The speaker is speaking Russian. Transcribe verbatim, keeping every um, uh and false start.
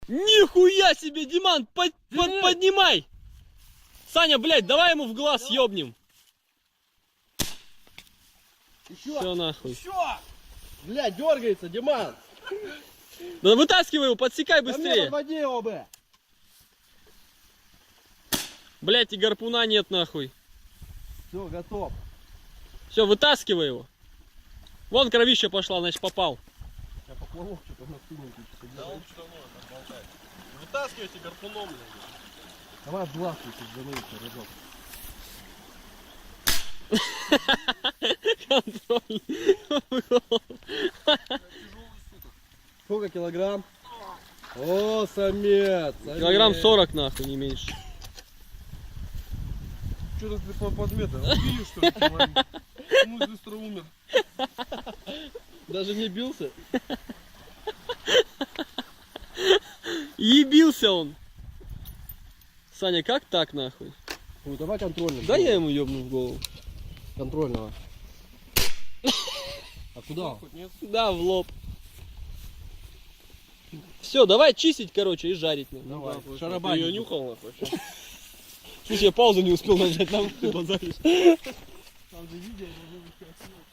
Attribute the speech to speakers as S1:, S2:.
S1: Нихуя себе, Диман, под, под, поднимай! Саня, блядь, давай ему в глаз ёбнем.
S2: Еще.
S1: Все нахуй.
S2: Еще. Бля, дергается, Диман.
S1: Да вытаскивай его, подсекай
S2: Да мне
S1: быстрее.
S2: подводи его бы.
S1: Блядь, и гарпуна нет нахуй.
S2: Все, готов.
S1: Все, вытаскивай его. Вон кровища пошла, значит попал.
S2: Я поплавок что-то на спину тут.
S3: Да он все равно там болтает. Вытаскивайте гарпуном, блядь.
S2: Давай в глаз тут занырить, разок.
S1: Контроль.
S2: Сколько килограмм? О, самец, самец.
S1: Килограмм сорок нахуй, не меньше.
S3: Что ты по подмету? Убили, что ли, километр? Ну, быстро умер.
S2: Даже не бился?
S1: Ебился он. Саня, как так нахуй?
S2: Ну, давай контрольный.
S1: Да я ему ёбну в голову.
S2: Контрольного. А куда?
S3: Хоть нет?
S1: Да, в лоб. Все, давай чистить, короче, и жарить. нахуй.
S2: Давай.
S3: Ты
S2: Шарабань.
S3: ее нюхал, нахуй?
S1: Слушай, я паузу не успел нажать, там ты базаришь.
S2: Там же видео,